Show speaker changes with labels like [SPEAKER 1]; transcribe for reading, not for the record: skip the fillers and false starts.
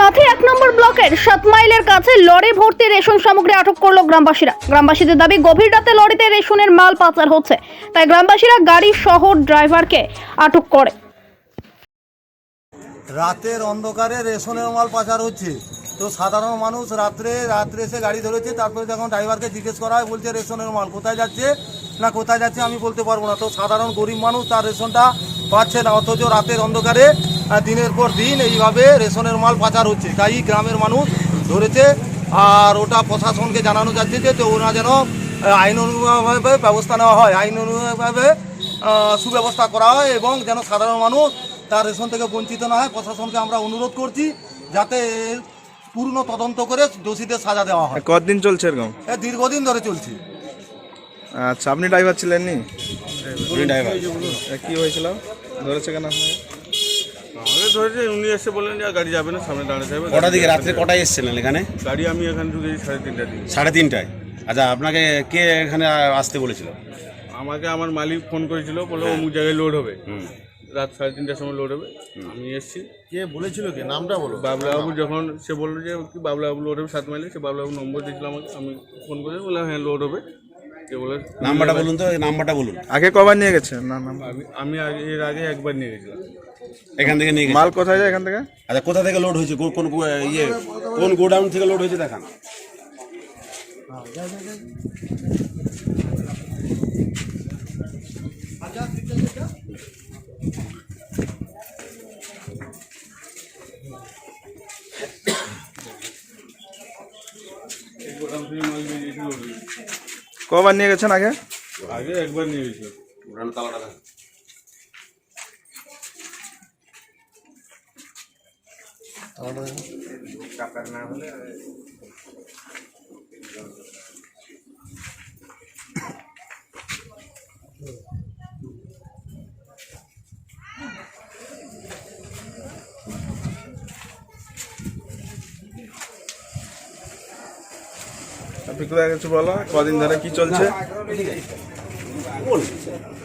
[SPEAKER 1] কাঁথি 1 নম্বর ব্লকের 7 মাইলের কাছে লরি ভর্তি রেশন সামগ্রী আটক করলো গ্রামবাসীরা। গ্রামবাসীদের দাবি গভীর রাতে লরিতে রেশনের মাল পাচার হচ্ছে, তাই গ্রামবাসীরা গাড়ি সহ ড্রাইভারকে আটক করে।
[SPEAKER 2] রাতের অন্ধকারে রেশনের মাল পাচার হচ্ছে, তো সাধারণ মানুষ রাত্রে এসে গাড়ি ধরেছে। তারপরে যখন ড্রাইভারকে জিজ্ঞেস করা হয়, বলছে রেশনের মাল কোথায় যাচ্ছে আমি বলতে পারবো না। তো সাধারণ গরিব মানুষ তার রেশনটা পাচ্ছে না, অথচ রাতের অন্ধকারে দিনের পর দিন এইভাবে রেশনের মাল পাচার হচ্ছে। তাই গ্রামের মানুষ ধরেছে, আর ওটা প্রশাসনকে জানানো যাচ্ছে যে তো ওরা যেন আইন অনুযায়ীভাবে ব্যবস্থা নেওয়া হয়, আইন অনুযায়ীভাবে সুব্যবস্থা করা হয়, এবং যেন সাধারণ মানুষ তার রেশন থেকে বঞ্চিত না হয়। প্রশাসনকে আমরা অনুরোধ করছি যাতে পূর্ণ তদন্ত করে দোষীদের সাজা দেওয়া হয়।
[SPEAKER 3] কতদিন চলছে এরকম?
[SPEAKER 2] দীর্ঘদিন ধরে চলছে।
[SPEAKER 3] আচ্ছা, আপনি ড্রাইভার ছিলেন নি?
[SPEAKER 4] ড্রাইভার
[SPEAKER 3] কি হয়েছিল, ধরেছে কেন?
[SPEAKER 4] আমাকে ধরেছে, উনি এসে বললেন যে গাড়ি যাবে না, সামনে দাঁড়াতে হবে।
[SPEAKER 5] কটা দিকে রাত্রে কটায় এসেছিলেন এখানে?
[SPEAKER 4] গাড়ি আমি এখানে ঢুকেছি 3:30টার দিকে।
[SPEAKER 5] 3:30টায়? আচ্ছা, আপনাকে কে এখানে আসতে বলেছিল?
[SPEAKER 4] আমাকে আমার মালিক ফোন করেছিল, বললো অমুক জায়গায় লোড হবে, রাত 3:30টার সময় লোড হবে। আমি এসেছি।
[SPEAKER 2] কে বলেছিল, কি নামটা বলো?
[SPEAKER 4] বাবলাবাবু, যখন সে বললো যে কি বাবলাবাবু লোড হবে 7 মাইলে, সে বাবলাবাবু নম্বর দিয়েছিল আমাকে। আমি ফোন করে বললাম হ্যাঁ লোড হবে। সে বলে
[SPEAKER 5] নাম্বারটা বলুন তো, নাম্বারটা বলুন।
[SPEAKER 3] আগে কবার নিয়ে গেছে? না না,
[SPEAKER 4] আমি এর আগে একবার নিয়ে গেছিলাম।
[SPEAKER 5] এখান থেকে নিয়ে গেছে?
[SPEAKER 3] মাল কোথায় যায় এখান থেকে?
[SPEAKER 5] আচ্ছা, কোথা থেকে লোড হয়েছে, কোন গোডাউন থেকে লোড হয়েছে দেখান।
[SPEAKER 3] কবার নিয়ে গেছেন আগে?
[SPEAKER 4] আগে একবার নিয়ে গেছিলাম।
[SPEAKER 5] তালাটা দেখান।
[SPEAKER 3] আপনি কোথায় গেছে বলো, কদিন ধরে কি চলছে?